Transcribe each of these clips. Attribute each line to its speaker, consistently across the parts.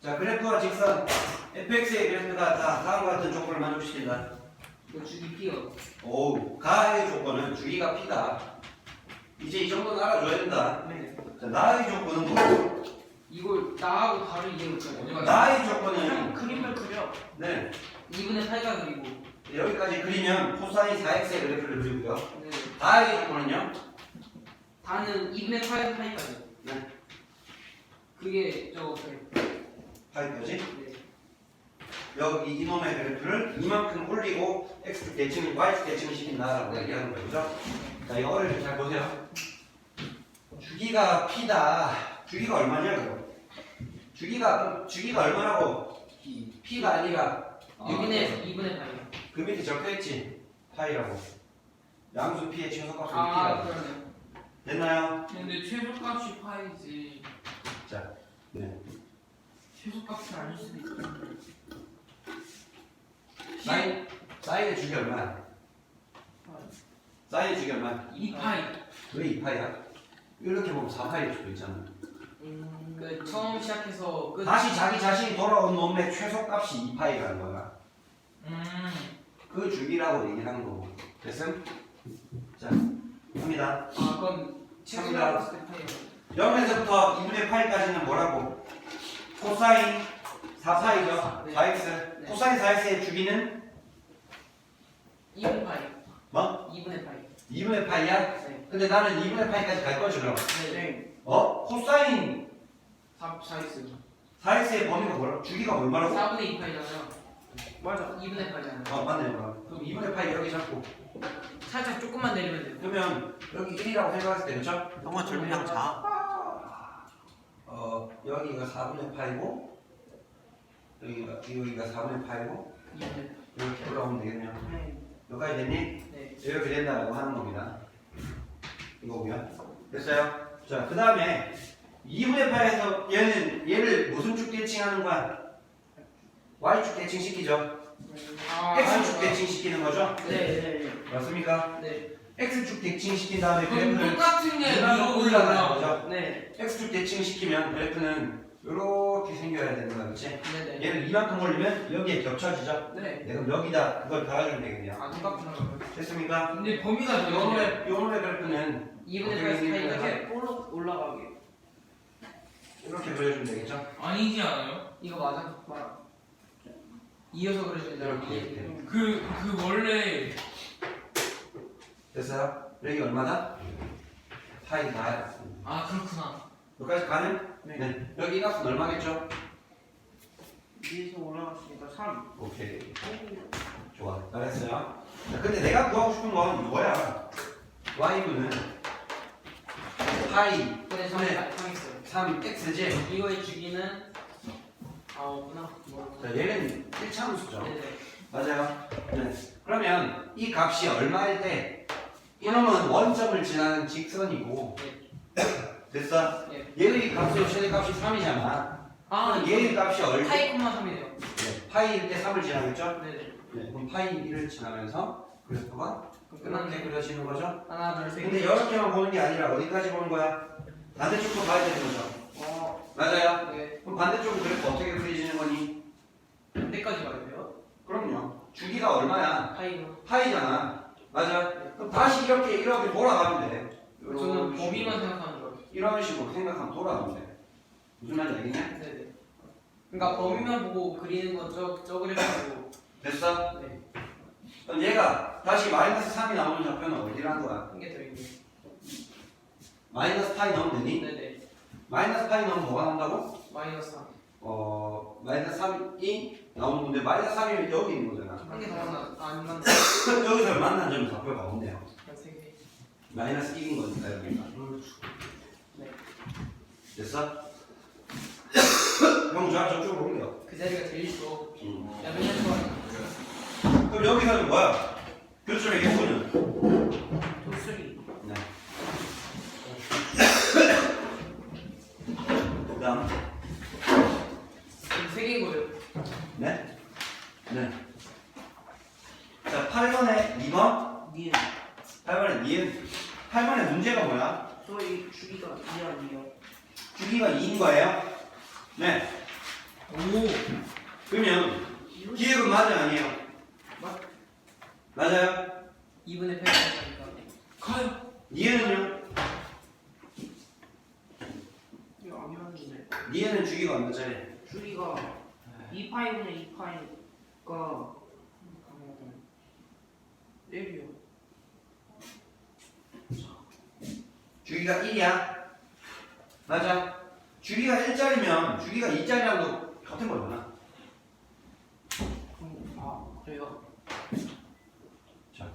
Speaker 1: 자, 그래프와 직선 fx의 그래프가 다 다음과 같은 조건을 만족시킨다.
Speaker 2: 이거 주기 P요.
Speaker 1: 오, 가의 조건은 주기가 P다. 이제 이 정도는 알아줘야 된다.
Speaker 2: 네.
Speaker 1: 자, 나의 조건은 뭐고?
Speaker 2: 이걸 나하고 바로 이해했잖아요.
Speaker 1: 나의 조건은
Speaker 2: 그림을 그려.
Speaker 1: 네,
Speaker 2: 2분의 8가 그리고.
Speaker 1: 여기까지 그리면 코사인 4x의 그래프를 그리고요.
Speaker 2: 네.
Speaker 1: 나의 조건은요?
Speaker 2: 다는 2분의 8 파이까지.
Speaker 1: 네,
Speaker 2: 그게 저거
Speaker 1: 파이까지.
Speaker 2: 네.
Speaker 1: 여기 이놈의 그래프를 이만큼 올리고 x축 대칭, y축 대칭을 시킨다라고 얘기하는 거죠. 그죠? 자, 이거를 좀 잘 보세요. 주기가 p다. 주기가 얼마냐 그거? 주기가 얼마라고? p가 아니라
Speaker 2: 2분의 8이요.
Speaker 1: 그 밑에 적혀있지? 파이라고. 양수 p의 최소값은
Speaker 2: 아,
Speaker 1: p라고.
Speaker 2: 그러네.
Speaker 1: 됐나요?
Speaker 3: 근데 최소값이 파이지.
Speaker 1: 자, 네.
Speaker 3: 최소값이 아닐 수도 있겠는데.
Speaker 1: 사인의 주기 얼마야? 사인의 주기 얼마야?
Speaker 3: 2파이.
Speaker 1: 왜 2파이야? 이렇게 보면 4파이일 수도 있잖아.
Speaker 2: 그 처음 시작해서 끝.
Speaker 1: 다시 자기 자신이 돌아온 놈의 최소값이 2파이라는 거야. 그 주기라고 얘기하는 거고. 됐음? 자, 갑니다.
Speaker 2: 아, 그럼 최소값 때 파이요.
Speaker 1: 0에서부터 2분의 8까지는 뭐라고? 코사인 4파이죠?
Speaker 2: 네.
Speaker 1: 4x.
Speaker 2: 네.
Speaker 1: 코사인 4x의 주기는
Speaker 2: 2분의 8.
Speaker 1: 뭐?
Speaker 2: 2분의 8.
Speaker 1: 2분의 파이야?
Speaker 2: 네.
Speaker 1: 근데 나는 2분의 파이까지 갈 거지 그럼.
Speaker 2: 네.
Speaker 1: 어? 코사인
Speaker 2: 4x.
Speaker 1: 4x의 범위가 뭐라고? 주기가 얼마라고?
Speaker 2: 4분의 2 파이잖아요. 맞아. 2분의 8잖아요.
Speaker 1: 맞네. 그럼 2분의 파이 여기 잡고.
Speaker 2: 살짝 조금만 내리면 돼요.
Speaker 1: 그러면 여기 1이라고 생각했을 때 그쵸?
Speaker 4: 형아 젊은 양 자.
Speaker 1: 여기가 4분의 파이고 여기가 4분의 파이고
Speaker 2: 2분의
Speaker 1: 이렇게 올라오면 되겠네요.
Speaker 2: 8.
Speaker 1: 여기까지 됐니?
Speaker 2: 네.
Speaker 1: 이렇게 된다고 하는 겁니다. 이거고요. 됐어요? 자, 그 다음에 2분의 8에서 얘를 무슨 축 대칭하는 거야? y축 대칭 시키죠? x축 대칭 시키는 거죠?
Speaker 2: 네.
Speaker 1: 맞습니까?
Speaker 2: 네.
Speaker 1: x축 대칭 시킨 다음에
Speaker 3: 그럼
Speaker 1: 그래프를
Speaker 3: 똑같은 게
Speaker 1: 위로
Speaker 3: 위로
Speaker 1: 올라가는
Speaker 3: 올라가.
Speaker 1: 거죠?
Speaker 2: 네.
Speaker 1: x축 대칭 시키면 그래프는 이렇게 생겨야 되는 거야, 그렇지?
Speaker 2: 네.
Speaker 1: 얘를 이만큼 올리면 여기에 겹쳐지죠?
Speaker 2: 네.
Speaker 1: 그럼 여기다 그걸 달아주면 되겠네요.
Speaker 2: 아, 똑같구나.
Speaker 1: 됐습니까?
Speaker 3: 근데 범위가 정해져.
Speaker 1: 요놈의 그래프는
Speaker 2: 2분의 8 파이까지 올라가게.
Speaker 1: 이렇게 그려주면 되겠죠?
Speaker 3: 아니지 않아요?
Speaker 2: 이거 맞아? 맞아. 이어서 그려주면
Speaker 1: 이렇게.
Speaker 3: 그 원래
Speaker 1: 됐어요? 여기 얼마다? 파이 다.
Speaker 3: 아 그렇구나.
Speaker 1: 여기까지 가는? 네. 여기 이 값은 얼마겠죠?
Speaker 2: 위에서 올라갔으니까 3.
Speaker 1: 오케이. 좋아. 잘했어요. 자, 근데 내가 구하고 싶은 건 이거야. y분은 파이
Speaker 2: 근데 3
Speaker 1: 네.
Speaker 2: 있어요.
Speaker 1: 3x지.
Speaker 2: 이거의 주기는 없구나.
Speaker 1: 자, 얘는 1차 함수죠.
Speaker 2: 네네.
Speaker 1: 맞아요. 네. 그러면 이 값이 얼마일 때 이놈은 원점을 지나는 직선이고 됐어?
Speaker 2: 네.
Speaker 1: 얘의 값의 최대값이 3이잖아.
Speaker 2: 아,
Speaker 1: 얘의 값이 얼마?
Speaker 2: 파이 콤마 3이네요.
Speaker 1: 네. 파이일 때 3을 지나겠죠?
Speaker 2: 네네.
Speaker 1: 네. 그럼 파이 1을 지나면서 그래프가 이렇게 그려지는 거죠?
Speaker 2: 하나, 둘, 셋.
Speaker 1: 근데 이렇게만 보는 게 아니라 어디까지 보는 거야? 반대쪽도 봐야 되는 거죠.
Speaker 2: 맞아요.
Speaker 1: 맞아요?
Speaker 2: 네.
Speaker 1: 그럼 반대쪽은 그래프 어떻게 그려지는 거니?
Speaker 2: 반대까지 가야 돼요.
Speaker 1: 그럼요. 주기가 얼마야?
Speaker 2: 파이가.
Speaker 1: 파이잖아. 맞아. 그럼 다시 이렇게 돌아가면 돼.
Speaker 2: 저는 범위만 생각하는 거예요.
Speaker 1: 이런 식으로 생각하면 돌아가면 돼. 무슨 말인지 알겠냐?
Speaker 2: 네네. 그러니까 범위만 보고 그리는 건 저 그래프고.
Speaker 1: 됐어?
Speaker 2: 네.
Speaker 1: 그럼 얘가 다시 마이너스 3이 나오는 좌표는 어디라는 거야?
Speaker 2: 한 개 더 있네.
Speaker 1: 마이너스 파이 넣으면 되니?
Speaker 2: 네네.
Speaker 1: 마이너스 파이 넣으면 뭐가 나온다고?
Speaker 2: 마이너스 3.
Speaker 1: 마이너스 3이 나오는 건데 마이너스 3이면 여기 있는 거잖아.
Speaker 2: 한 개 더 만나. 안 만나.
Speaker 1: 여기서 만난 점이 좌표가 없네요.
Speaker 2: 한 3개.
Speaker 1: 마이너스 1인 거니까 여기가.
Speaker 2: 네.
Speaker 1: 됐어? 형 저쪽으로 옮겨.
Speaker 2: 그 자리가 제일 좋아.
Speaker 1: 음.
Speaker 2: 야, 맨날 좋아.
Speaker 1: 그럼 여기서는 뭐야? 교점의 개수는?
Speaker 2: 도수리.
Speaker 1: 네. 그 다음.
Speaker 2: 지금 3개인 거예요.
Speaker 1: 네? 네. 자, 8번에 2번.
Speaker 2: 니은.
Speaker 1: 8번에 니은. 8번에 문제가 뭐야?
Speaker 2: 저희 주기가 2 아니에요.
Speaker 1: 주기가 2인 거예요? 네.
Speaker 3: 오.
Speaker 1: 그러면 기획은 맞아요 아니에요? 맞아요?
Speaker 2: 2분의 8이니까.
Speaker 3: 가요.
Speaker 1: 니에는요?
Speaker 4: 이거 안 맞는데.
Speaker 1: 니에는 주기가 얼마짜리?
Speaker 4: 주기가 2파이분의 2파이니까 1이요.
Speaker 1: 주기가 1이야? 맞아? 주기가 1짜리면 주기가 2짜리랑도 같은 거잖아.
Speaker 4: 아 그래요?
Speaker 1: 자,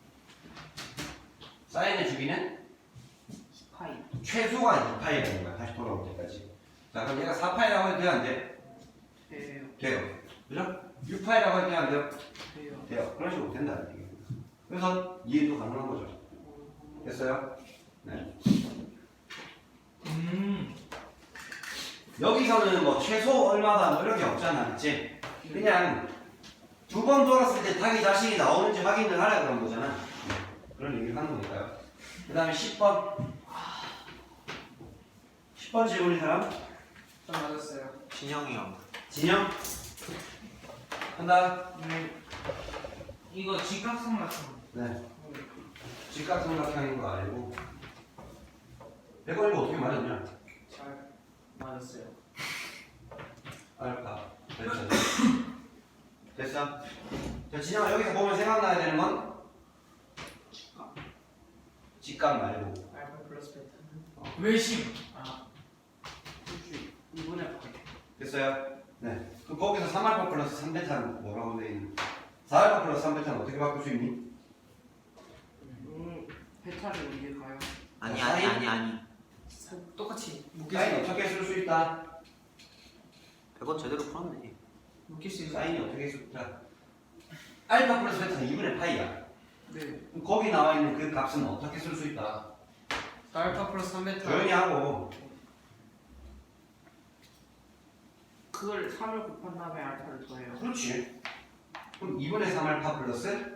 Speaker 1: 사인의 주기는
Speaker 4: 2파이.
Speaker 1: 최소가 2파이라는 거야. 다시 돌아올 때까지. 자, 그럼 얘가 4파이라고 해도 돼, 안 돼?
Speaker 4: 돼요.
Speaker 1: 돼요. 그죠? 6파이라고 해도 돼, 안 돼요?
Speaker 4: 돼요.
Speaker 1: 돼요. 그런 식으로 된다. 이게. 그래서 이해도 가능한 거죠. 됐어요? 네. 여기서는 뭐 최소 얼마다 뭐 이런 게 없잖아. 그치? 그냥 두 번 돌았을 때 자기 자신이 나오는지 확인을 하라 그런 거잖아. 네. 그런 얘기를 하는 거니까요. 그 다음에 10번. 10번 질문인 사람?
Speaker 2: 좀 맞았어요.
Speaker 5: 진영이요.
Speaker 1: 진영? 한다.
Speaker 3: 이거 직각삼각형.
Speaker 1: 네. 직각삼각형인 거 알고. 100원 이거 어떻게 말했냐?
Speaker 2: 잘 맞았어요.
Speaker 1: 알파. 됐어. 됐어? 자, 진영아 여기서 보면 생각나야 되는 건? 직각 말고.
Speaker 2: 알파 플러스 베타.
Speaker 3: 외심. 아.
Speaker 4: 혹시 2분의 8.
Speaker 1: 됐어요? 네. 그럼 거기서 3알파 플러스 3베타는 뭐라고 돼 있는? 4알파 플러스 3베타는 어떻게 바꿀 수 있니?
Speaker 4: 베타를 어디에 가요?
Speaker 5: 아니.
Speaker 2: 똑같이
Speaker 1: 사인
Speaker 2: 묶일
Speaker 1: 어떻게 쓸 수 있다?
Speaker 5: 100원 제대로 풀었네.
Speaker 2: 수 있는.
Speaker 1: 사인이 어떻게 쓸 수 있다? 알파 플러스 베타는 2분의 파이야.
Speaker 4: 네.
Speaker 1: 그럼 거기 나와 있는 그 값은 어떻게 쓸 수 있다?
Speaker 2: 알파 플러스 3베타.
Speaker 1: 조용히 하고.
Speaker 4: 그걸 3을 곱한 다음에 알파를 더해요.
Speaker 1: 그렇지. 그럼 2분의 3알파 플러스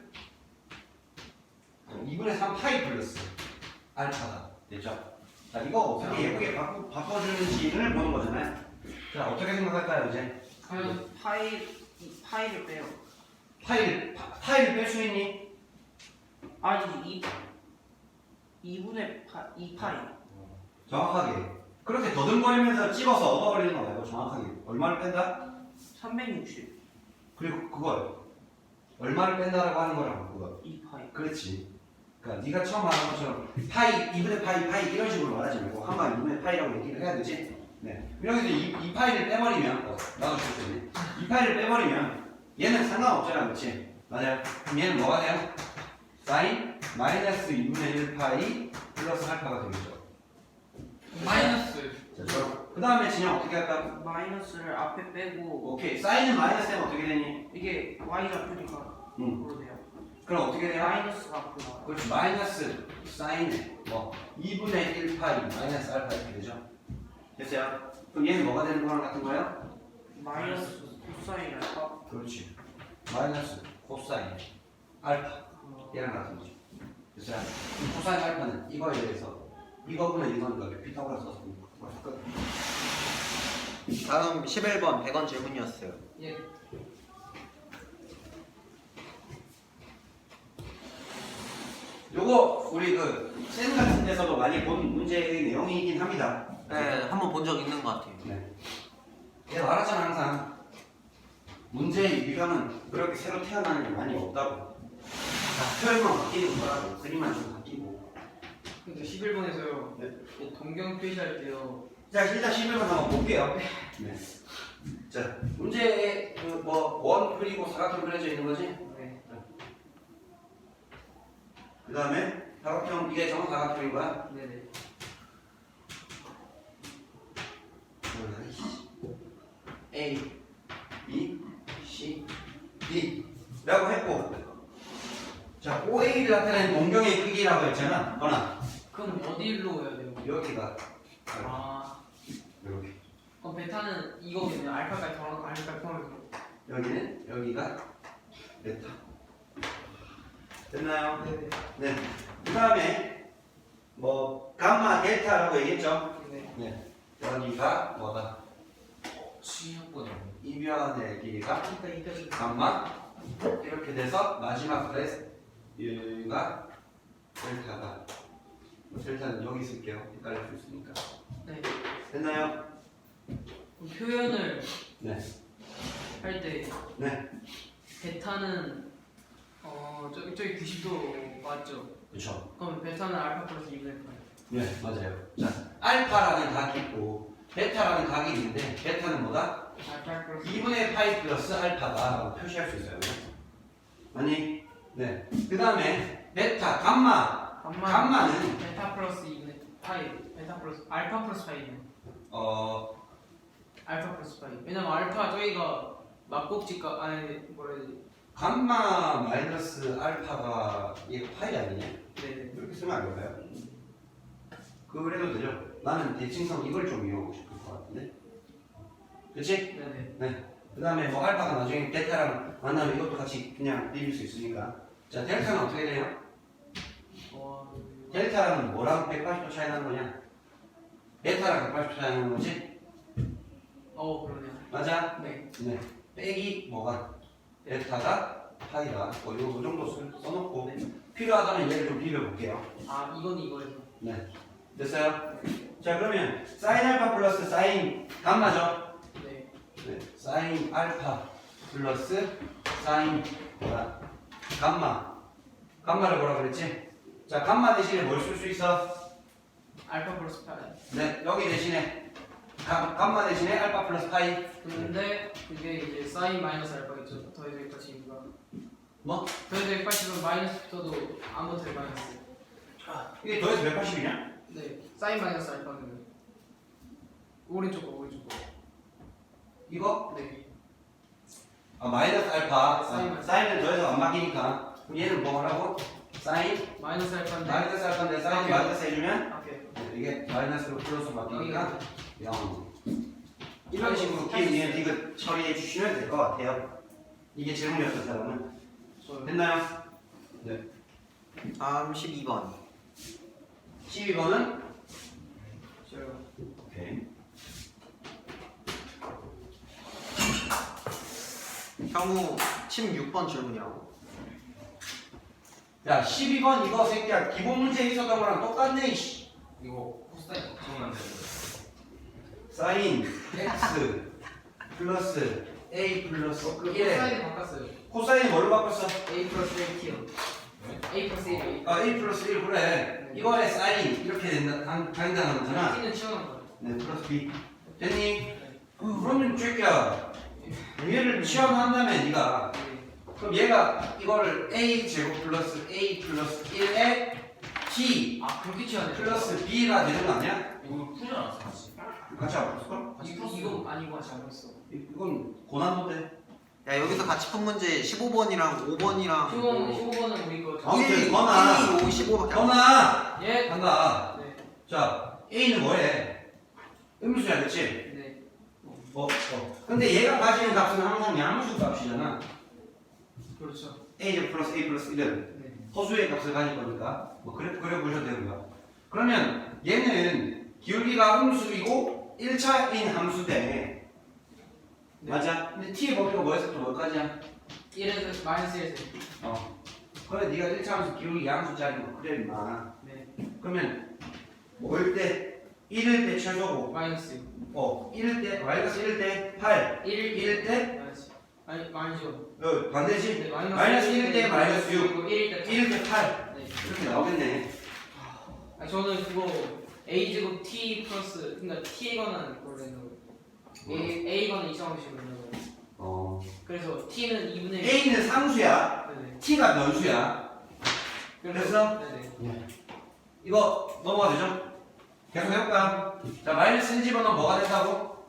Speaker 1: 2분의 3 파이 플러스 알파다. 됐죠? 자, 이거 어떻게 예쁘게 바꿔주는지를 보는 거잖아요. 자, 어떻게 생각할까요, 이제?
Speaker 2: 과연
Speaker 4: 파이를 빼요.
Speaker 1: 파이를 뺄 수 있니?
Speaker 4: 아니 2분의 2파이.
Speaker 1: 정확하게. 그렇게 더듬거리면서 찍어서 얻어버리는 거 말고 정확하게. 얼마를 뺀다?
Speaker 4: 360.
Speaker 1: 그리고 그걸 얼마를 뺀다라고 하는 거라고, 그거.
Speaker 4: 2파이.
Speaker 1: 그렇지. 그러니까 네가 처음 말한 것처럼 파이, 2분의 파이 이런 식으로 말하지 말고 한방 2분의 파이라고 얘기를 해야 되지. 네. 여기서 이 파이를 빼버리면 나도 줄수 있네. 이 파이를 빼버리면 얘는 상관없잖아, 그렇지? 맞아요. 그럼 얘는 뭐가 돼요? 사인 마이너스 2분의 1 파이 플러스 알파가 되겠죠.
Speaker 3: 마이너스.
Speaker 1: 자, 그 다음에 진영 어떻게 할까?
Speaker 4: 마이너스를 앞에 빼고
Speaker 1: 오케이. 사인은 마이너스 되면 어떻게 되니?
Speaker 4: 이게 y 잡히니까
Speaker 1: 응.
Speaker 4: 그러네요.
Speaker 1: 그럼 어떻게 돼요?
Speaker 4: 마이너스가 앞으로 나와요.
Speaker 1: 그렇지. 마이너스 사인에 뭐 2분의 1 파이 마이너스 알파 이렇게 되죠. 됐어요? 그럼 얘는 뭐가 되는 거랑 같은 거예요?
Speaker 4: 마이너스 코사인 알파.
Speaker 1: 그렇지. 마이너스 코사인 알파 얘랑 같은 거죠. 됐어요? 그럼 코사인 알파는 이거에 대해서 이거분의 이거니까 피타고라스 썼습니다. 끝.
Speaker 5: 다음 11번 100원 질문이었어요.
Speaker 2: 예.
Speaker 1: 요거 우리 그센 같은 데서도 많이 본 문제의 내용이긴 합니다.
Speaker 5: 네, 한번 본 적 있는 것 같아요.
Speaker 1: 네. 내가 말하잖아 항상 문제의 유형은 그렇게 새로 태어나는 게 많이 없다고. 다 표현만 바뀌는 거라고. 그림만 좀 바뀌고.
Speaker 2: 근데 11번에서요.
Speaker 1: 네.
Speaker 2: 동경 표시할 때요.
Speaker 1: 자, 일단 11번 한번 볼게요. 네. 자, 문제에 원 그리고 사각형 그려져 있는 거지?
Speaker 2: 네.
Speaker 1: 그 다음에 사각형, 이게 정사각형인 거야?
Speaker 2: 네네.
Speaker 1: A, B, C, D 라고 했고, 자, OA를 나타내는 동경의 크기라고 했잖아. 거나
Speaker 2: 그럼 어디로 해야 돼요?
Speaker 1: 여기가
Speaker 2: 아.
Speaker 1: 이렇게,
Speaker 2: 그럼 베타는 이거겠네요. 알파까지 더하고 알파까지 더하고.
Speaker 1: 여기는 여기가 베타. 됐나요?
Speaker 2: 네네.
Speaker 1: 네. 그 다음에 감마, 델타라고 얘기했죠?
Speaker 2: 네.
Speaker 1: 네. 여기가 뭐다?
Speaker 3: 취약보다
Speaker 1: 이변의 길이가
Speaker 2: 이따
Speaker 1: 감마 이렇게 돼서 마지막 얘가 델타다. 델타는 여기 쓸게요. 헷갈릴 수 있으니까.
Speaker 2: 네.
Speaker 1: 됐나요?
Speaker 2: 그럼 표현을
Speaker 1: 네.
Speaker 2: 할 때
Speaker 1: 네.
Speaker 2: 베타는 저기 90도 맞죠?
Speaker 1: 그렇죠.
Speaker 2: 그럼 베타는 알파 플러스 2분의 파이.
Speaker 1: 네, 맞아요. 자, 알파라는 각이 있고 베타라는 각이 있는데 베타는 뭐다?
Speaker 2: 알파 플러스
Speaker 1: 2분의 파이 플러스 알파다라고 표시할 수 있어요. 아니, 네. 그 다음에 베타, 감마는
Speaker 2: 베타 플러스 2분의 파이. 베타 플러스 알파 플러스 파이네. 알파 플러스 파이. 왜냐면 알파 저희가 막꼭지가 아니 뭐라 해야 되지?
Speaker 1: 감마 마이너스 알파가 얘가 파이 아니냐?
Speaker 2: 네네.
Speaker 1: 이렇게 쓰면 안 될까요? 그래도 되죠. 나는 대칭성 이걸 좀 이용하고 싶을 것 같은데. 그치?
Speaker 2: 네네.
Speaker 1: 그 다음에 뭐 알파가 나중에 델타랑 만나면 이것도 같이 그냥 비빌 수 있으니까. 자, 델타는 어떻게 돼요? 델타랑 뭐랑 180도 차이 나는 거냐? 베타랑 180도 차이 나는 거지?
Speaker 2: 그러네요.
Speaker 1: 맞아?
Speaker 2: 네.
Speaker 1: 네. 빼기 뭐가? 베타가 파이다. 요 정도 써놓고 필요하다면 얘를 좀 비벼볼게요.
Speaker 2: 아 이건 이거에서.
Speaker 1: 네. 됐어요? 자, 그러면 사인 알파 플러스 사인 감마죠?
Speaker 2: 네.
Speaker 1: 네. 사인 알파 플러스 사인 뭐야? 감마를 뭐라 그랬지? 자, 감마 대신에 뭘 쓸 수 있어?
Speaker 2: 알파 플러스 파이.
Speaker 1: 네, 여기 대신에 감마 대신에 알파 플러스 파이.
Speaker 2: 근데 그게 이제 사인 마이너스 알파겠죠. 더해서 180이니까.
Speaker 1: 뭐?
Speaker 2: 더해서 180은 마이너스 붙어도 아무 될 마이너스.
Speaker 1: 이게 더해서 180이냐?
Speaker 2: 네. 사인 마이너스 알파는 오른쪽 거.
Speaker 1: 이거?
Speaker 2: 네.
Speaker 1: 마이너스 알파.
Speaker 2: 사인.
Speaker 1: 사인은 더해서 안 바뀌니까. 그럼 얘는 뭐 하라고? 사인
Speaker 2: 마이너스 알파인데.
Speaker 1: 마이너스 알파인데 사인
Speaker 2: 오케이.
Speaker 1: 마이너스 해주면
Speaker 2: 오케이.
Speaker 1: 네, 이게 마이너스로 플러스 바뀌니까 0. 이런
Speaker 2: 아,
Speaker 1: 식으로
Speaker 2: 할수
Speaker 1: 기회
Speaker 2: 있어요.
Speaker 1: 디귿 처리해 주시면 될 것 같아요. 이게 질문이었던 사람은 됐나요? 네.
Speaker 5: 다음 12번.
Speaker 1: 12번은
Speaker 2: 제가
Speaker 1: 오케이.
Speaker 5: 형우 16번 질문이라고.
Speaker 1: 자, 12번 이거 새끼야 기본 문제에 있었던 거랑 똑같네. 이씨.
Speaker 3: 이거 코사인 걱정만 되고
Speaker 1: 사인 x 플러스 a 플러스
Speaker 2: 그
Speaker 1: 1에
Speaker 2: 사인을 바꿨어요.
Speaker 1: 코사인이 뭘로 바꿨어?
Speaker 2: A 플러스 1T요. A 플러스 1.
Speaker 1: a 플러스 1 그래. 이거에 사인 이렇게 된다는 거잖아.
Speaker 2: T는 치워놓은 거예요.
Speaker 1: 네, 플러스 b. 됐니? 그러면 새끼야 얘를 치환한다면 네가
Speaker 2: 네.
Speaker 1: 그럼 얘가 이거를 a 제곱 플러스 a 플러스 1에 t
Speaker 2: 아 그렇게 치워야 돼요?
Speaker 1: 플러스 b가 되는 거 아니야?
Speaker 3: 이거 풀지 않았어 같이?
Speaker 1: 같이 안 풀었을걸?
Speaker 2: 이거 아니고 잘못했어.
Speaker 1: 이건 고난도인데.
Speaker 5: 야 여기서 같이 푼 문제 15번이랑 5번이랑
Speaker 2: 15번은 우리 거.
Speaker 1: 아무튼 건아
Speaker 5: 1, 2, 5, 15밖에 안
Speaker 1: 건아
Speaker 2: 예.
Speaker 1: 간다.
Speaker 2: 네.
Speaker 1: 자 a는 뭐해? 음수야 그치?
Speaker 2: 네.
Speaker 1: 근데 얘가 가지는 값은 항상 양수 값이잖아.
Speaker 2: 그렇죠.
Speaker 1: a 플러스 a 플러스 1은
Speaker 2: 네.
Speaker 1: 허수의 값을 가질 거니까 뭐 그래 보셔도 되고요. 그러면 얘는 기울기가 음수이고 1차인 함수대.
Speaker 2: 네.
Speaker 1: 맞아? 근데 t의 범위가 뭐에서부터 뭐까지야?
Speaker 2: 1에서 마이너스 1에서.
Speaker 1: 그래 네가 1차 함수 기울기 양수짜리 거 그래 임마.
Speaker 2: 네.
Speaker 1: 그러면 뭐일 때 1일 때 최소고
Speaker 2: 마이너스
Speaker 1: 1일 때 마이너스 1일 때 8
Speaker 2: 1.
Speaker 1: 1일 때
Speaker 2: 마이너스. 아니 마이너스요.
Speaker 1: 반대지?
Speaker 2: 네,
Speaker 1: 마이너스 1일 때 마이너스 6
Speaker 2: 그리고 1일 때
Speaker 1: 1일 때 8
Speaker 2: 네.
Speaker 1: 이렇게 나오겠네.
Speaker 2: 아 저는 그거 a 제곱 t 플러스 그러니까 t에 관한 그걸 내는 거예요. a 관한 이상함식으로 내는 거예요. 그래서 t는 2분의 1.
Speaker 1: A는 상수야
Speaker 2: 네네.
Speaker 1: T가 변수야. 그래서?
Speaker 2: 네네.
Speaker 1: 이거 넘어가 되죠? 계속 해볼까요? 자 마이너스 1 집어넣으면 뭐가 된다고?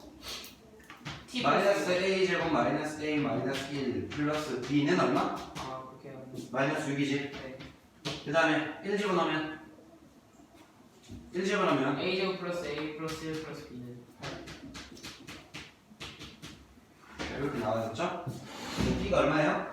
Speaker 2: t
Speaker 1: 마이너스 A 제곱 마이너스 A 마이너스 1 플러스 B는 얼마?
Speaker 2: 아 그렇게 하면
Speaker 1: 마이너스 6이지.
Speaker 2: 네.
Speaker 1: 그 다음에 1 집어넣으면 1 집어넣으면
Speaker 2: a 제곱 플러스 a 플러스 1 플러스 b는
Speaker 1: 이렇게 나와졌죠? B가 얼마예요?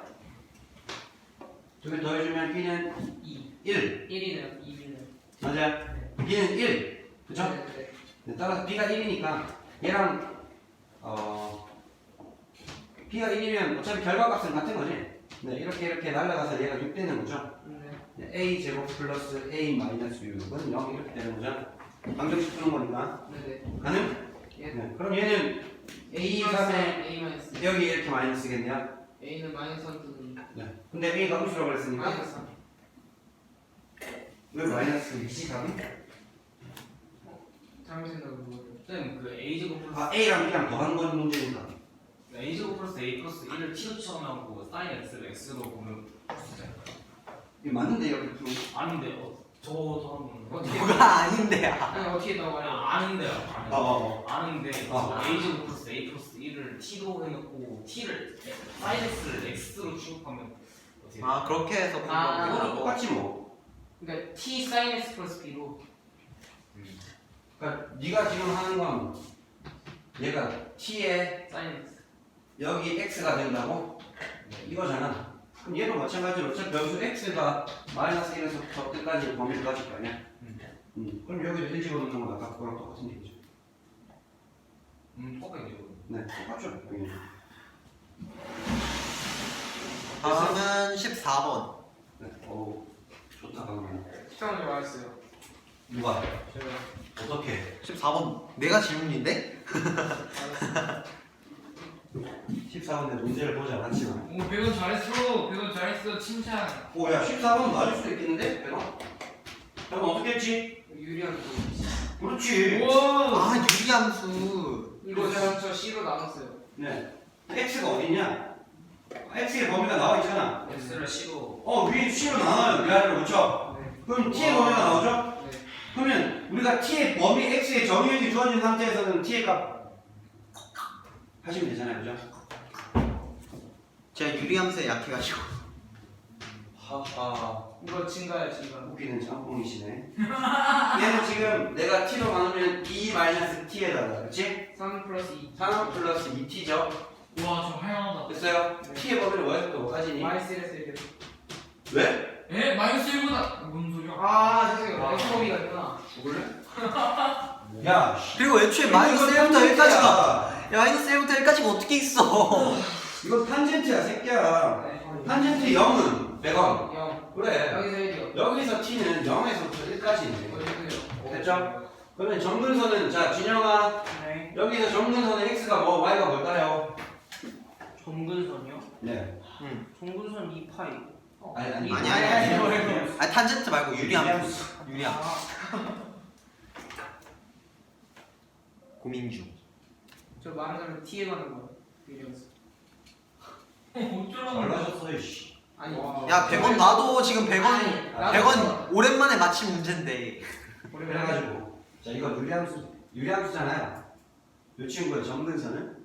Speaker 1: 두 개 더해주면 B는
Speaker 2: 2.
Speaker 1: 1
Speaker 2: 1이네요. 2b는.
Speaker 1: 맞아요? B는 1 그쵸?
Speaker 2: 네.
Speaker 1: 네, 따라서 B가 1이니까 얘랑 B가 1이면 어차피 결과값은 같은 거지. 네, 이렇게 날아가서 얘가 6 되는 거죠.
Speaker 2: 네.
Speaker 1: A 제곱 플러스 A 마이너스 6은 0 이렇게 되는 거죠. 방정식 푸는 거니까.
Speaker 2: 네네.
Speaker 1: 가능?
Speaker 2: 예.
Speaker 1: 네. 그럼 얘는
Speaker 2: A
Speaker 1: 3에
Speaker 2: A 마이너스.
Speaker 1: 여기 이렇게 마이너스겠네요.
Speaker 2: A는 마이너스 3 뜨는.
Speaker 1: 네. 근데 A가 음수라고 그랬으니까
Speaker 2: 마이너스 3.
Speaker 1: 왜 마이너스 2지 답이?
Speaker 2: 잘못 생각한 거예요.
Speaker 3: 쌤, 그 A 제곱 플러스
Speaker 1: 아 A랑 B랑 더한 건 문제니까.
Speaker 3: A 제곱 플러스 A 플러스 1을 T로 치환하고 사인 X를 X로 보면 풀수잖아요.
Speaker 1: 이게 맞는데 이렇게 푸는 거?
Speaker 3: 아닌데, 저도 한번
Speaker 2: 어떻게?
Speaker 5: 뭐가 아닌데야.
Speaker 2: 아니 어떻게 나와요?
Speaker 3: 아는데요.
Speaker 1: 어.
Speaker 3: 아는데 A 제곱 플러스 A 플러스 1을 T로 해놓고 T를 사인 X를 X로 취급하면 어떻게 돼요?
Speaker 5: 아 그렇게 해서
Speaker 2: 아,
Speaker 1: 이거랑
Speaker 5: 공부하고.
Speaker 1: 똑같지 뭐.
Speaker 2: 그러니까 T sin X 플러스 B로.
Speaker 1: 그러니까 네가 지금 하는 건 얘가 T에
Speaker 2: sin X.
Speaker 1: 여기 X가 된다고? 이거잖아. 그럼 얘도 마찬가지로 어차피 변수 X가 마이너스 1에서 더 끝까지 범위를 가질 거 아니야? 그럼 여기도 1 집어넣는 건 아까 그거랑 똑같은 얘기죠.
Speaker 3: 똑같겠죠.
Speaker 1: 네, 똑같죠. 당연히.
Speaker 5: 다음은 14번.
Speaker 1: 네, 오, 좋다 방금.
Speaker 2: 13번 맞았어요.
Speaker 1: 누가?
Speaker 2: 제가
Speaker 1: 어떻게?
Speaker 5: 14번 내가 질문인데?
Speaker 2: 맞았어요.
Speaker 1: 14번에 문제를 보지 않았지만.
Speaker 4: 오 100원 잘했어. 100원 잘했어. 칭찬.
Speaker 1: 오, 야, 14번 맞을 수도 있겠는데? 내가? 내가 어떻게 했지?
Speaker 2: 유리한 거.
Speaker 1: 그렇지.
Speaker 4: 우와.
Speaker 5: 아 유리함수.
Speaker 2: 이거 저 C로 나눴어요.
Speaker 1: 네. X가 어딨냐? X의 범위가 나와 있잖아.
Speaker 3: X를 C로
Speaker 1: 위에 C로 나눠요. 위아래로 그렇죠?
Speaker 2: 네.
Speaker 1: 그럼 T의 범위가 나오죠?
Speaker 2: 네.
Speaker 1: 그러면 우리가 T의 범위 X의 정의역이 주어진 상태에서는 T의 값 하시면 되잖아요. 그죠?
Speaker 5: 제가 유리함수에 약해가지고.
Speaker 1: 하하.
Speaker 2: 이거 증가야 증가.
Speaker 1: 웃기는 짬뽕이시네. 얘는 지금 내가 T로 나누면 2-T에다가 그렇지?
Speaker 2: 3 플러스 2.
Speaker 1: 3 플러스 2T죠?
Speaker 4: 우와 저 하얀하다.
Speaker 1: 됐어요?
Speaker 2: 네.
Speaker 1: T의 범위를 뭐에서 또 가지니?
Speaker 2: 마이너스 1에서 1.
Speaker 1: 왜?
Speaker 4: 에 마이너스 1보다. 뭔 소리야?
Speaker 2: 아 죄송해요. X범위가 있구나.
Speaker 1: 죽을래? 야,
Speaker 5: 그리고 애초에 마이너스 1부터 1까지가 마이너스 1부터 1까지가 어떻게 있어?
Speaker 1: 이거 탄젠트야 새끼야.
Speaker 2: 네.
Speaker 1: 탄젠트 0은 100원.
Speaker 2: 0.
Speaker 1: 그래.
Speaker 2: 여기서 1이요.
Speaker 1: 여기서 T는 0에서부터 1까지네.
Speaker 2: 어디서요?
Speaker 1: 됐죠? 그러면 정근선은 자 진영아
Speaker 2: 네.
Speaker 1: 여기서 정근선의 x가 뭐 y가 뭘까요?
Speaker 2: 정근선이요?
Speaker 1: 네.
Speaker 2: 정근선 2파이.
Speaker 1: 아니
Speaker 5: 아니. 아 탄젠트 말고 유리함수. 유리함수. 고민 중.
Speaker 2: 저 말하자면 T에 가는 거. 유리함수.
Speaker 4: 어쩌라고.
Speaker 1: 잘나셨어 이씨.
Speaker 2: 아니.
Speaker 5: 야 100원 나도 지금 100원
Speaker 2: 아니, 나도
Speaker 5: 100원 오랜만에 맞힌 문제인데.
Speaker 1: 그래가지고 자 이거 유리함수잖아요. 이 친구의 정근선은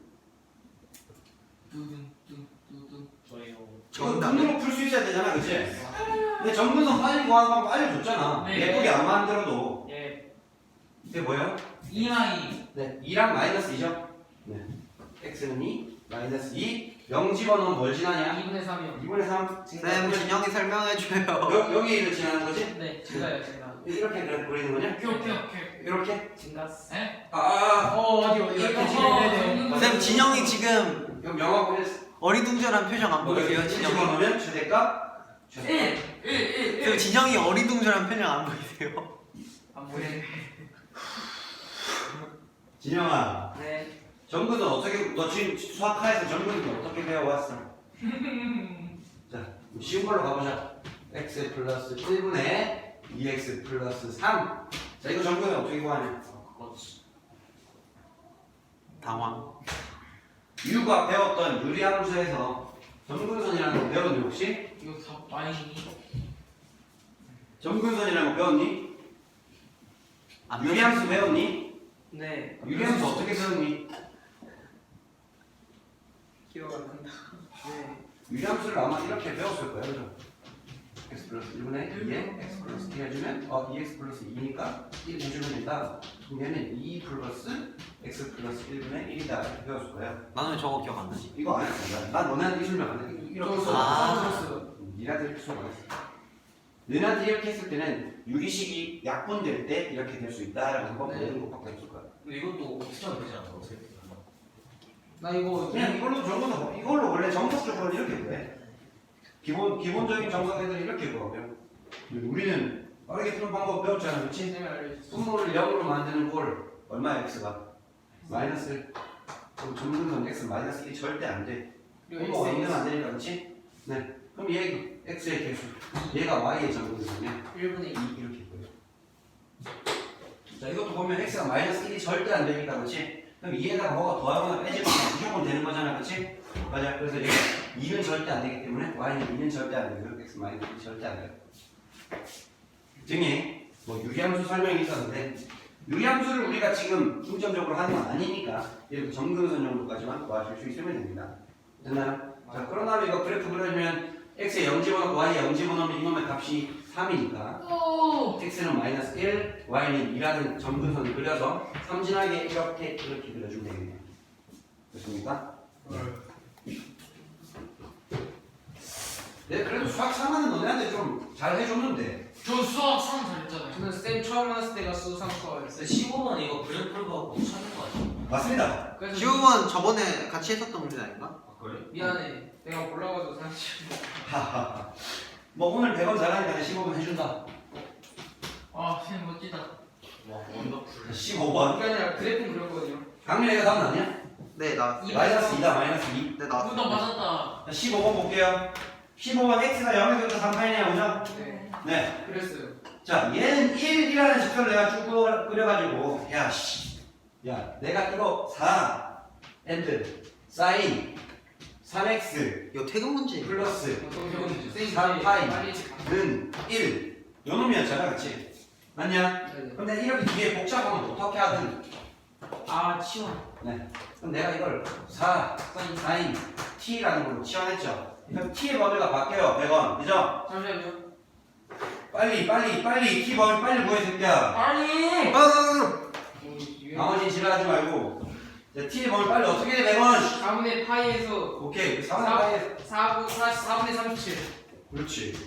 Speaker 3: 저희요.
Speaker 1: 이거
Speaker 5: 정답은
Speaker 1: 눈으로 풀 수 있어야 되잖아, 그치? 근데 정근선 빨리 구하는 방법 알려줬잖아.
Speaker 4: 네.
Speaker 1: 예쁘게 안 만들어도
Speaker 2: 예.
Speaker 1: 이게 뭐예요?
Speaker 4: 2마이.
Speaker 1: 네, 2랑 마이너스 2죠? 네. x는 2, 마이너스 2, 0 집어넣으면 뭘 지나냐?
Speaker 2: 2분의 3이요.
Speaker 1: 2분의 3.
Speaker 5: 쌤 진영이 설명해줘요.
Speaker 1: 여기를 지나는 거지?
Speaker 2: 네. 증가요 증가.
Speaker 1: 이렇게 그리는 거냐?
Speaker 4: 오케이.
Speaker 1: 이렇게?
Speaker 2: 증가스.
Speaker 4: 에?
Speaker 2: 어디
Speaker 1: 이렇게
Speaker 2: 이렇게
Speaker 4: 지내야
Speaker 5: 쌤 진영이 지금
Speaker 1: 그럼 영하고 1
Speaker 5: 어리둥절한 표정 안 보이세요? 진영이?
Speaker 1: 집어넣으면 최대값? 최대값.
Speaker 5: 쌤 진영이 어리둥절한 표정 안 보이세요?
Speaker 2: 안 보이네.
Speaker 1: 진영아,
Speaker 2: 네.
Speaker 1: 정근은 어떻게, 너 지금 수학하에서 정근은 어떻게 배워왔어? 자, 쉬운 걸로 가보자. x 플러스 1분의 2x 플러스 3. 자, 이거 정근은 어떻게 구하냐?
Speaker 5: 당황.
Speaker 1: 유가 배웠던 유리함수에서 정근선이라는 거 배웠니 혹시?
Speaker 4: 이거 다 마이니.
Speaker 1: 정근선이라는 거 배웠니?
Speaker 5: 안
Speaker 1: 유리함수 배웠니?
Speaker 2: 네.
Speaker 1: 유리함수 어떻게 배웠니?
Speaker 2: 기억 안 난다. 네.
Speaker 1: 유리함수를 아마 이렇게 배웠을 거예요, 그죠? x 플러스 1분의 2에 x 플러스 2 해주면 2x 플러스 2니까 1 해주면 된다. 그럼 얘는 2 플러스 x 플러스 1분의 1이다 이렇게 배웠을 거예요.
Speaker 5: 나는 저거 기억 안 나지.
Speaker 1: 이거 안 했어. 난 너네한테 이 설명 안 해. 이렇게
Speaker 2: 저
Speaker 1: 써.
Speaker 5: 아.
Speaker 1: 니네한테 이렇게 수업 안 했어. 너네한테 이렇게 했을 때는 유리식이 약분될 때 이렇게 될 수 있다라는 거
Speaker 2: 네.
Speaker 1: 배우는 것밖에 없을 거야.
Speaker 3: 근데 이것도 어떻게 하면 되지 않아요? 어떻게 되나?
Speaker 2: 나 이거
Speaker 1: 그냥 이걸로 적어서 이걸로 원래 정석적으로 이렇게 구해. 기본적인 정석애들이 이렇게 구하고요. 우리는 빠르게 푸는 방법 배웠잖아, 그렇지?
Speaker 2: 쌤이 알려줬어.
Speaker 1: 분모를 0으로 만드는 꼴 얼마야 x가? 마이너스 1. 그럼 점근선 x 마이너스 1이 절대 안 돼. 분모가
Speaker 2: 그리고
Speaker 1: 2는 안 되니까, 그렇지? 네. 그럼 얘 x의 개수, 얘가 y의 점근선이야.
Speaker 2: 1분의 2.
Speaker 1: 이렇게 보여. 자, 이것도 보면 x가 마이너스 1이 절대 안 되니까, 그렇지? 그럼 2에다가 뭐가 더하거나 빼지거나 무조건 되는 거잖아, 그렇지? 맞아. 그래서 여기 2는 절대 안 되기 때문에 y는 2는 절대 안 되고요. x 마이너스 1이 절대 안 돼요. 등에 뭐 유리함수 설명이 있었는데 유리함수를 우리가 지금 중점적으로 하는 건 아니니까 이렇게 점근선 정도까지만 도와줄 수 있으면 됩니다. 됐나요? 자, 그런 다음에 이거 그래프 그려주면 x에 0 집어넣고 y에 0 집어넣으면 이놈의 값이 3이니까 x는 마이너스 1, y는 2라는 점근선을 그려서 삼진하게 이렇게 그려주면 되겠네요. 됐습니까? 네, 그래도 수학 3하는 너네한테 좀 잘 해줬는데
Speaker 3: 저 수학 3 잘했잖아요.
Speaker 2: 저는 쌤 처음 왔을 때가 수상 수학이었어요.
Speaker 3: 15번 이거 그래프를 갖고 찾는 거 아니야?
Speaker 1: 맞습니다.
Speaker 2: 그래서
Speaker 5: 지우만 저번에 같이 했었던 문제 아닌가?
Speaker 3: 아 그래?
Speaker 2: 미안해. 내가 몰라가지고 사실.
Speaker 1: 하하하. 뭐 오늘 100원 잘하니까 15분 해준다.
Speaker 4: 아, 쌤 멋지다.
Speaker 3: 와 원더풀.
Speaker 1: 15번.
Speaker 2: 그게 아니라 그래프 그렸거든요.
Speaker 1: 강민이가 답 나냐?
Speaker 5: 네, 나.
Speaker 1: 마이너스 2다, 마이너스 2.
Speaker 5: 네, 나.
Speaker 4: 누가 맞았다.
Speaker 1: 자, 15번 볼게요. 15번 x가 0에서부터 3파이네요, 그죠?
Speaker 2: 네.
Speaker 1: 네.
Speaker 2: 그랬어요.
Speaker 1: 자, 얘는 1이라는 직선을 내가 쭉 그려가지고, 야, 씨. 야, 내가 이거 4, and, sin, 3x,
Speaker 5: 이거 퇴근 문제.
Speaker 1: 플러스,
Speaker 2: 쌤이
Speaker 1: 3파이,
Speaker 2: 빨리
Speaker 1: 는 1. 요 놈이었잖아, 그치? 맞냐?
Speaker 2: 네네.
Speaker 1: 근데 이렇게 뒤에 복잡하면 어떻게 하든.
Speaker 2: 아 치워.
Speaker 1: 네. 그럼 내가 이걸 4, sin, t라는 걸로 치환했죠. 그럼 t의 범위가 바뀌어요. 100원. 그죠?
Speaker 2: 잠시만요.
Speaker 1: 빨리 t 범위 빨리 구해 새끼야.
Speaker 4: 아니!
Speaker 1: 나머지 지랄하지 말고. 자, t의 범위 빨리 어떻게 돼? 100원.
Speaker 2: 4분의 파이에서
Speaker 1: 오케이. 4분의 파이.
Speaker 2: 4분의 37.
Speaker 1: 그렇지.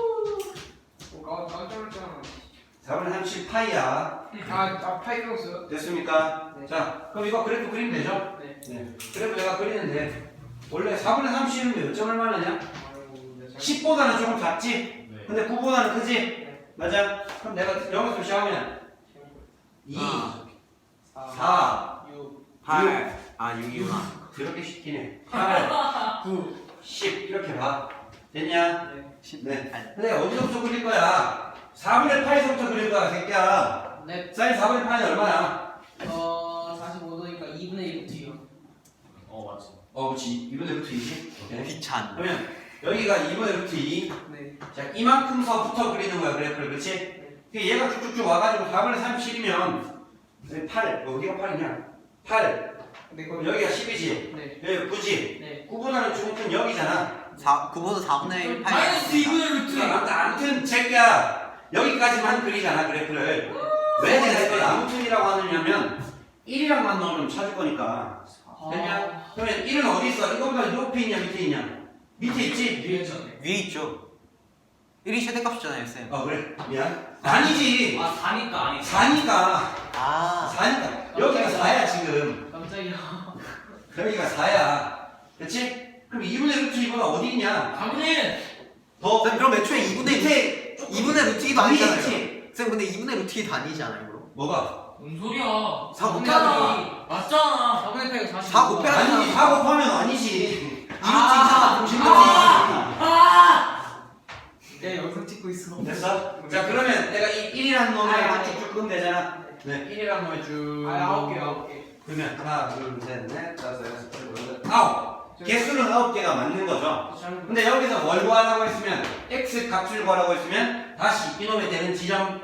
Speaker 2: 깜짝 놀랐잖아.
Speaker 1: 4분의 30 파이야.
Speaker 2: 파이 배웠어요?
Speaker 1: 됐습니까?
Speaker 2: 네.
Speaker 1: 자, 그럼 이거 그래프 그리면 되죠?
Speaker 2: 네.
Speaker 1: 네. 그래프 내가 그리는데 원래 4분의 30은 몇 점을 말하냐? 10보다는 조금 작지?
Speaker 3: 네.
Speaker 1: 근데 9보다는 크지?
Speaker 2: 네.
Speaker 1: 맞아? 그럼 내가 여기서 시작하면 2, 4,
Speaker 2: 6.
Speaker 5: 8. 아, 6이구나.
Speaker 1: 그렇게 쉽긴 해. 8, 9, 10 이렇게 봐. 됐냐?
Speaker 2: 네.
Speaker 1: 네. 근데 어디서부터 그릴 거야? 4분의 8에서부터 그릴 거야, 새끼야.
Speaker 2: 네.
Speaker 1: 사인 4분의 8은 얼마야?
Speaker 2: 45도니까 2분의 1부터요.
Speaker 3: 맞지.
Speaker 1: 그렇지. 2분의 루트 2지? 오케이.
Speaker 5: 귀찮.
Speaker 1: 그러면 여기가 2분의 루트 2.
Speaker 2: 네.
Speaker 1: 자, 이만큼서부터 그리는 거야, 그래프를. 그렇지? 얘가 쭉쭉쭉 와가지고 4분의 37이면 8, 어디가 8이냐? 8.
Speaker 2: 네.
Speaker 1: 그럼 여기가 10이지?
Speaker 2: 네.
Speaker 1: 여기 9지?
Speaker 2: 네.
Speaker 1: 9보다는 조금 큰 여기잖아.
Speaker 5: 9보다 4분의 1.
Speaker 4: 마이너스 2분의 루트.
Speaker 1: 아무튼 제끼야 여기까지만 그리잖아, 그래프를. 왜 내가 이걸 아무튼이라고 하느냐면 1이랑만 넣으면 찾을 거니까. 됐냐? 그러면 1은 어디 있어? 이거보다 높이 있냐, 밑에 있냐? 밑에 있지?
Speaker 2: 위에 있잖아요.
Speaker 5: 위에 있죠. 1이 최대값이잖아요, 쌤.
Speaker 1: 그래. 미안. 아니지.
Speaker 3: 4니까 아니.
Speaker 1: 4니까.
Speaker 5: 아.
Speaker 1: 4니까. 여기가 4야, 지금.
Speaker 2: 깜짝이야.
Speaker 1: 여기가 4야. 그치? 그럼 2분의 루트 2가 어디 있냐?
Speaker 4: 4분의 1!
Speaker 1: 더
Speaker 5: 쌤, 그럼 애초에 2분의
Speaker 1: 밑에
Speaker 5: 루트 2도
Speaker 1: 위에
Speaker 5: 아니잖아요.
Speaker 1: 있지?
Speaker 5: 쌤, 근데 2분의 루트 2 다니잖아요, 그럼.
Speaker 1: 뭐가?
Speaker 4: 뭔 소리야?
Speaker 5: 4
Speaker 4: 맞잖아. 맞잖아.
Speaker 2: 4분의 8이 40.
Speaker 5: 4 곱해야
Speaker 1: 아니지, 4 곱하면 아니지.
Speaker 5: 2루트 2잖아, 공식루트 2.
Speaker 2: 내 영상 찍고 있어.
Speaker 1: 됐어? 자, 그러면 내가 이 1이라는 놈에
Speaker 2: 아,
Speaker 1: 쭉쭉 끄면 되잖아. 네, 1이라는 놈에 쭉.
Speaker 2: 9개.
Speaker 1: 그러면 하나, 둘, 셋, 넷, 다섯, 여섯, 일곱, 여덟, 아홉. 개수는 9개가 맞는 거죠. 근데 여기서 뭘 구하라고 했으면 x 값을 구하라고 했으면 다시 이놈에 되는 지점.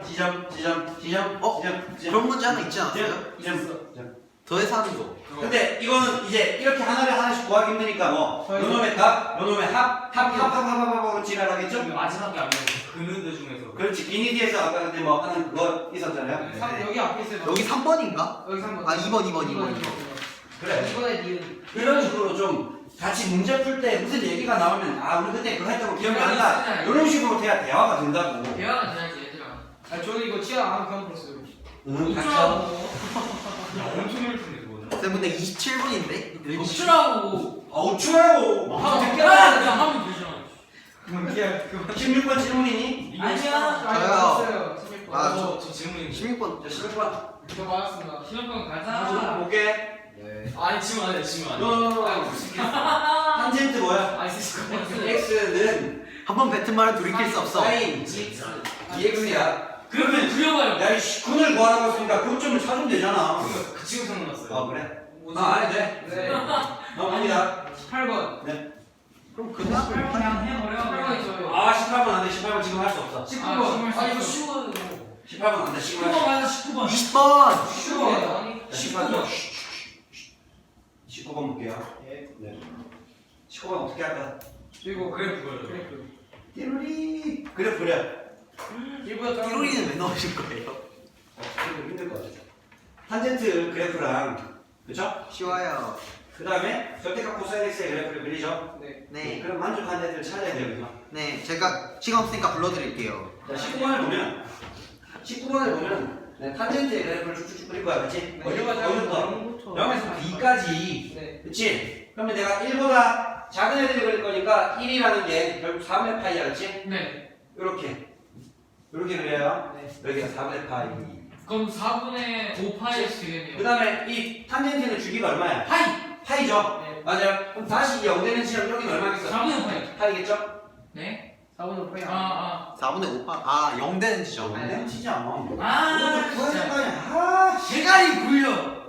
Speaker 5: 그런 문제 하나 있지 않았어요?
Speaker 1: 지점.
Speaker 5: 더해서 하는 거.
Speaker 1: 근데 이거는 이제 이렇게 하나를 하나씩 구하기 힘드니까 뭐 요놈의 값, 요놈의 합으로 지랄하겠죠?
Speaker 3: 마지막에 안 되는 그누드 중에서.
Speaker 1: 그렇지. 비니디에서 아까 근데 뭐 하는 그거 있었잖아요.
Speaker 2: 여기 앞에 있어요.
Speaker 5: 여기 3번인가?
Speaker 2: 여기 3번.
Speaker 5: 아, 2번.
Speaker 1: 그래.
Speaker 2: 2번에 니은.
Speaker 1: 이런 식으로 좀 같이 문제 풀 때 무슨 얘기가 나오면 우리 그때 그거 했던 거 기억이 난다. 이런 식으로 돼야 대화가 된다고.
Speaker 4: 대화가 돼야지, 얘들아.
Speaker 2: 저는 이거 치아 안 그냥 풀었어요.
Speaker 1: 응, 닥쳐.
Speaker 3: 야 엄청 열심히 그거는.
Speaker 5: 쌤 근데 27분인데?
Speaker 2: 없으라고.
Speaker 1: 어추라고.
Speaker 2: 하면 그냥 하면 되잖아.
Speaker 1: 16번 질문이니?
Speaker 2: 아니야.
Speaker 5: 저요.
Speaker 2: 맞았어요.
Speaker 5: 아,
Speaker 3: 저 질문이
Speaker 5: 16번.
Speaker 1: 자, 16번.
Speaker 2: 저 맞았습니다.
Speaker 3: 시험관
Speaker 1: 아, 볼게.
Speaker 5: 네.
Speaker 3: 아니 지금 안 돼. 지금 안 돼.
Speaker 1: 탄젠트 뭐야?
Speaker 3: 아 있을 것 같아.
Speaker 1: x는
Speaker 5: 한번 뱉은 말은 돌이킬 수 없어.
Speaker 1: 사인 dx야.
Speaker 3: 그러면
Speaker 2: 그려봐요.
Speaker 1: 야, 이 9을 구하라고 했으니까 그점을 찾으면 되잖아.
Speaker 3: 그 지금 생각났어요.
Speaker 1: 아, 그래? 안 해도 돼.
Speaker 2: 네.
Speaker 1: 넘어갑니다.
Speaker 2: 8번.
Speaker 5: 그럼 그냥
Speaker 4: 그냥 해버려.
Speaker 2: 8번이 저요.
Speaker 1: 아, 18번 안 돼. 18번 지금 할 수 없어.
Speaker 2: 19번. 아, 이거 쉬워요.
Speaker 1: 18번 안 돼. 19번.
Speaker 4: 19번 가서 19번.
Speaker 5: 20번.
Speaker 2: 쉬워요. 아니.
Speaker 1: 19번. 19번 볼게요. 네. 19번 어떻게 할까?
Speaker 2: 그리고
Speaker 3: 그래 그거요.
Speaker 2: 그래프.
Speaker 1: 띠로리. 그래, 그래.
Speaker 2: 1보다 작은
Speaker 5: 띠로리는 왜 넣으신 거예요?
Speaker 1: 좀 힘들 것 같아. 탄젠트 그래프랑, 그쵸?
Speaker 5: 쉬워요.
Speaker 1: 그 다음에 절대값 코사인 x의 그래프를 그리죠.
Speaker 2: 네.
Speaker 5: 네.
Speaker 1: 그럼 만족한 애들 찾아야 돼요, 그죠?
Speaker 5: 네. 제가 시간 없으니까 불러드릴게요.
Speaker 1: 자, 19번을 보면 네, 탄젠트의 그래프를 쭉쭉쭉 그릴 거야, 그치? 어디부터? 0에서 2까지.
Speaker 2: 네.
Speaker 1: 그치? 그러면 내가 1보다 작은 애들을 그릴 거니까 1이라는 게 결국 4분의 파이야, 그치?
Speaker 2: 네.
Speaker 1: 요렇게 그려요.
Speaker 2: 네.
Speaker 1: 여기가 4분의 파이.
Speaker 2: 그럼 4분의 5파이씩 되겠네요.
Speaker 1: 그 다음에 이 탄젠트는 주기가 얼마야?
Speaker 2: 파이.
Speaker 1: 파이죠?
Speaker 2: 네.
Speaker 1: 맞아요. 그럼 다시 0 되는 시점 여기는 얼마겠어?
Speaker 2: 4분의 5파이.
Speaker 1: 파이겠죠?
Speaker 2: 네. 4분의 5파이.
Speaker 5: 4분의 5파. 아, 0 되는 지점.
Speaker 2: 아니,
Speaker 1: 안 치지 않아.
Speaker 2: 아,
Speaker 1: 구해야 될
Speaker 2: 진짜.
Speaker 1: 거 아니야. 아, 씨.
Speaker 2: 대가리 굴려.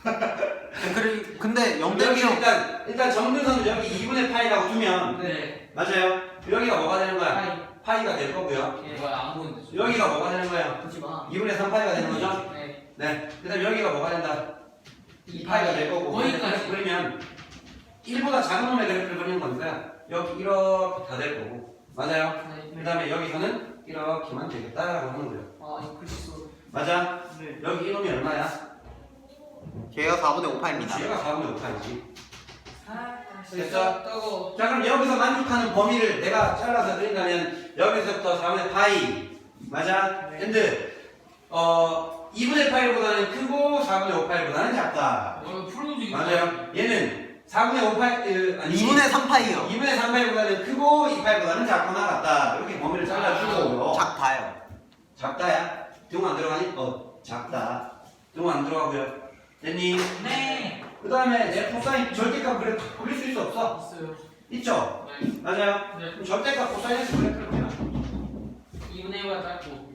Speaker 5: 근데 0
Speaker 1: 여기
Speaker 5: 되면
Speaker 1: 일단 정근선을 여기 2분의 파이라고 두면
Speaker 2: 네.
Speaker 1: 맞아요. 여기가 뭐가 되는 거야?
Speaker 2: 파이.
Speaker 1: 파이가 될 거고요.
Speaker 2: 예. 뭐야 안 보는데.
Speaker 1: 여기가 뭐가 되는 거야?
Speaker 2: 보지 마.
Speaker 1: 2분의 3파이가 되는 거죠?
Speaker 2: 네.
Speaker 1: 네. 그다음 여기가 뭐가 된다? 2파이가 될 거고.
Speaker 2: 거기까지.
Speaker 1: 그러면 1보다 작은 놈의 그래프를 그리는 거니까 여기 이렇게 다 될 거고. 맞아요.
Speaker 2: 네.
Speaker 1: 그다음에 여기서는 이렇게만 되겠다라고 하는 거예요.
Speaker 2: 아 이거 글씨수.
Speaker 1: 맞아?
Speaker 2: 네.
Speaker 1: 여기 이놈이 얼마야?
Speaker 5: 걔가 4분의 5파입니다.
Speaker 1: 얘가 4분의 5파이지.
Speaker 2: 됐어. 떠고.
Speaker 1: 자, 그럼 여기서 만족하는 범위를 내가 잘라서 그린다면 여기서부터 4분의 파이. 맞아?
Speaker 2: 네.
Speaker 1: 근데 2분의 파이보다는 크고 4분의 5파이보다는 작다.
Speaker 2: 풀 움직이.
Speaker 1: 맞아요. 얘는 4분의 5파이 아니
Speaker 5: 2분의 3파이요.
Speaker 1: 2분의 3파이보다는 크고 2파이보다는 작거나 같다. 이렇게 범위를 잘라주고
Speaker 5: 작다요.
Speaker 1: 작다야. 등 안 들어가니? 작다. 등 안 들어가고요. 됐니?
Speaker 4: 네.
Speaker 1: 그 다음에 내 코사인 절대값 그래프 그릴 수 있어 없어?
Speaker 2: 있어요.
Speaker 1: 있죠?
Speaker 2: 네.
Speaker 1: 맞아요.
Speaker 2: 네.
Speaker 1: 그럼 절대값 코사인에서 그래프를 그려.
Speaker 2: 2분의 1보다 작고.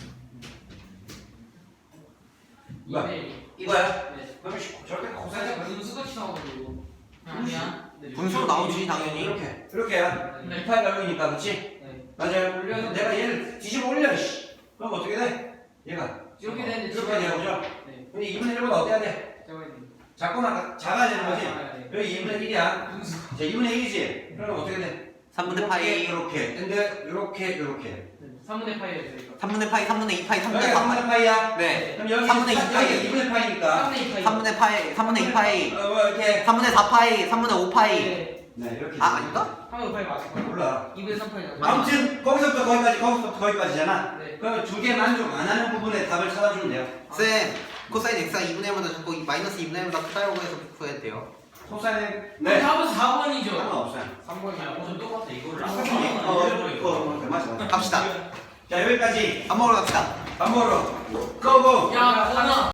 Speaker 1: 뭐야?
Speaker 2: 2분의 1.
Speaker 1: 이거야?
Speaker 2: 네.
Speaker 1: 그러면 절대값 코사인에서
Speaker 2: 살짝 분수같이 나오고. 아니야. 네.
Speaker 5: 분수로 나오지 당연히.
Speaker 1: 이렇게야.
Speaker 2: 네.
Speaker 1: 2파이가 여기니까 그치?
Speaker 2: 네.
Speaker 1: 맞아요.
Speaker 2: 올려서
Speaker 1: 내가 얘를 뒤집어 올려 씨. 그럼 어떻게 돼? 얘가
Speaker 2: 이렇게 되는데
Speaker 1: 이렇게 되는 거죠?
Speaker 2: 네.
Speaker 1: 근데 2분의 1보다 어때야 돼? 작거나 작아야 되는 거지?
Speaker 2: 네.
Speaker 1: 여기 2분의 1이야.
Speaker 2: 분수.
Speaker 1: 자, 2분의 1이지? 그러면 어떻게 돼?
Speaker 5: 3분의 파이.
Speaker 1: 이렇게. 근데 이렇게.
Speaker 2: 3분의 파이예요 이거.
Speaker 5: 3분의 파이, 3분의 2파이, 3분의
Speaker 1: 여기가
Speaker 5: 4파이.
Speaker 1: 3분의 파이야?
Speaker 5: 네.
Speaker 1: 그럼 여기
Speaker 5: 3분의
Speaker 1: 2파이. 2분의 파이니까.
Speaker 2: 3분의 2파이.
Speaker 5: 3분의 파이, 3분의 2파이,
Speaker 1: 뭐 이렇게.
Speaker 5: 3분의 4파이, 3분의 5파이.
Speaker 2: 네.
Speaker 1: 네, 이렇게.
Speaker 5: 아, 아닌가?
Speaker 2: 3분의 5파이 맞을 거야.
Speaker 1: 몰라.
Speaker 2: 2분의 3파이.
Speaker 1: 아무튼 거기서부터 거기까지잖아.
Speaker 2: 네.
Speaker 1: 그러면 두 개 만족 안 하는 부분의 답을 찾아주면 돼요.
Speaker 5: 쌤, 코사인 x가 2분의 1보다 작고 마이너스 2분의 1보다 크다고 해서 구해도 돼요?
Speaker 1: 코사인
Speaker 2: 네. 답은 4번이죠.
Speaker 1: 상관없어요.
Speaker 2: 3번이야.
Speaker 3: 좀 똑같아 이거를.
Speaker 1: 맞아.
Speaker 5: 갑시다.
Speaker 1: 자, 여기까지
Speaker 5: 밥 먹으러 갑시다.
Speaker 1: 밥 먹으러 고고.
Speaker 2: 야, 하나.